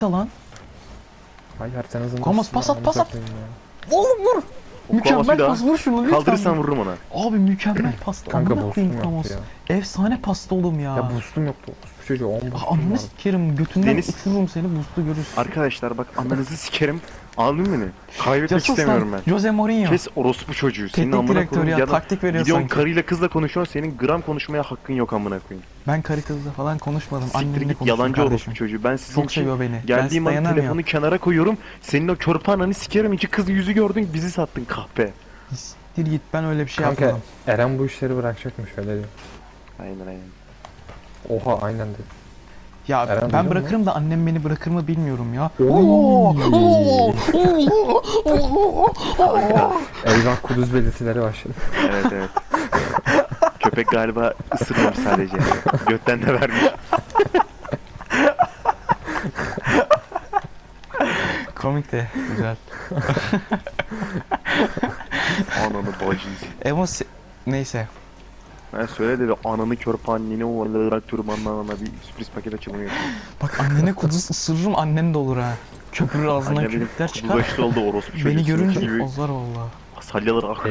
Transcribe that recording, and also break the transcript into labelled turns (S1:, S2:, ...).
S1: lan.
S2: Hayır sen hızını
S1: Komas, pas at, pas at.
S2: koyayım
S1: Oğlum vur. Mükemmel
S3: bir
S1: pas,
S3: daha.
S1: vur şunu lütfen.
S3: Kaldırırsan vururum ona.
S1: Abi mükemmel pas.
S2: Kanka
S1: Amına koyayım
S2: boostum
S1: Ramos.
S2: yoktu ya.
S1: Efsane pasta oğlum ya.
S2: Ya boostum yoktu. Bu çocuğu 10 boostum
S1: Ananı
S2: vardı.
S1: sikerim götünden
S3: Deniz-
S1: uçururum seni boost'u görürsün.
S3: Arkadaşlar bak ananızı sikerim. Anladın beni? Kaybetmek
S1: Casus
S3: istemiyorum
S1: lan,
S3: ben.
S1: Jose Mourinho.
S3: Kes orospu çocuğu. Senin
S1: Teknik
S3: amına
S1: direktör
S3: koyayım
S1: ya,
S3: ya da
S1: taktik veriyor
S3: gidiyorsun
S1: sanki.
S3: karıyla kızla konuşuyorsun, senin gram konuşmaya hakkın yok amına koyayım.
S1: Ben karı kızla falan konuşmadım.
S3: Siktir
S1: Annemle
S3: git
S1: konuştum
S3: yalancı
S1: kardeşim.
S3: orospu çocuğu. Ben sizin
S1: Çok
S3: için
S1: seviyor beni.
S3: geldiğim
S1: Ben
S3: an
S1: dayanamıyorum.
S3: telefonu kenara koyuyorum. Senin o körpe ananı sikerim. İki kız yüzü gördün, bizi sattın kahpe.
S1: Siktir git, ben öyle bir şey
S2: Kanka
S1: yapmadım.
S2: Eren bu işleri bırakacakmış öyle diyor.
S3: Aynen aynen.
S2: Oha aynen dedi.
S1: Ya
S2: Eren duydun
S1: ben
S2: mu?
S1: bırakırım da annem beni bırakır mı bilmiyorum ya.
S2: Eyvah kuduz belirtileri başladı.
S3: Evet evet. Köpek galiba ısırmamış sadece. Götten de vermiş.
S1: Komik de güzel.
S3: Ananı bacıyız.
S1: Neyse.
S3: Ben söyle de bir ananı körpe anneni olarak türbanla bir sürpriz paket açılımı yapayım.
S1: Bak annene kuduz ısırırım, annen de olur ha. Köpürür ağzından
S3: Anne benim
S1: köpükler çıkar.
S3: kudulaştı oldu orospu çocuğu.
S1: Beni
S3: Seninki
S1: görünce
S3: gibi
S1: ozlar valla.
S3: salyalar akıyor.